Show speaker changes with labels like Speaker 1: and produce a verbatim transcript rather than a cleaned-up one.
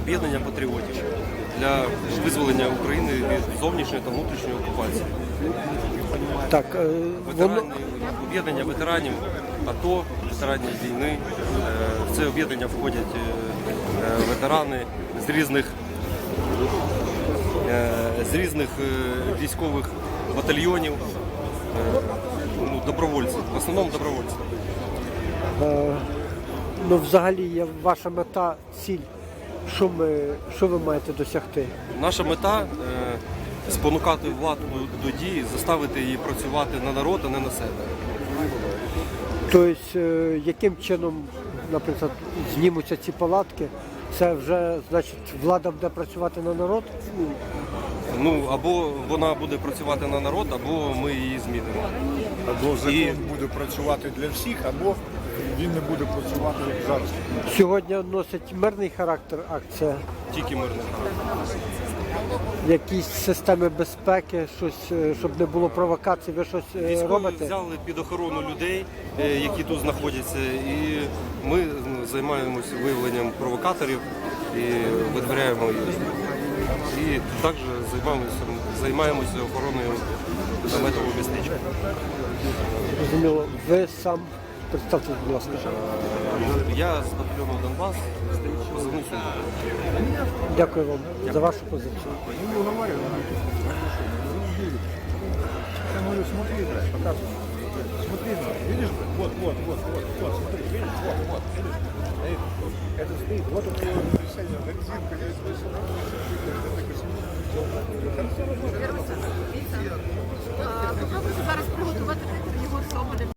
Speaker 1: об'єднання патріотів для визволення України від зовнішньої та внутрішньої окупації.
Speaker 2: Так, е, воно...
Speaker 1: Ветеранів, об'єднання ветеранів АТО, ветеранів війни. Е, В це об'єднання входять е, ветерани з різних, е, з різних е, військових батальйонів, е, ну, добровольці, в основному добровольці.
Speaker 2: Е, ну, взагалі, є ваша мета, ціль, що, ми, що ви маєте досягти?
Speaker 1: Наша мета е, спонукати владу до дії, заставити її працювати на народ, а не на себе.
Speaker 2: Тобто, е, яким чином, наприклад, знімуться ці палатки, це вже, значить, влада буде працювати на народ?
Speaker 1: Ну, або вона буде працювати на народ, або ми її змінимо.
Speaker 3: Або закон
Speaker 1: І-
Speaker 3: буде працювати для всіх, або він не буде працювати як зараз.
Speaker 2: Сьогодні носить мирний характер акція,
Speaker 1: Тільки мирний характер.
Speaker 2: якісь системи безпеки, щось, е, щоб не було провокацій, ви щось е,
Speaker 1: Військові
Speaker 2: робите?
Speaker 1: взяли під охорону людей, е, які тут знаходяться, і ми ну, займаємося виявленням провокаторів і видворяємо їх. І також займаємося, займаємося охороною наметового містечка.
Speaker 2: Зрозуміло. Ви сам представте, будь ласка.
Speaker 1: Я з батальйону Донбас, позивний Сундук.
Speaker 2: Дякую вам за вашу позицію.
Speaker 3: Я говорю, смотри, брат, показывай. Смотри, брат, видишь, брат? Вот, вот, вот, вот, вот, смотри, видишь, вот, вот, видишь? Видишь? Это стоит, вот это его решение, резинка здесь, здесь,
Speaker 4: Попробуйте зараз приготувати його соболем.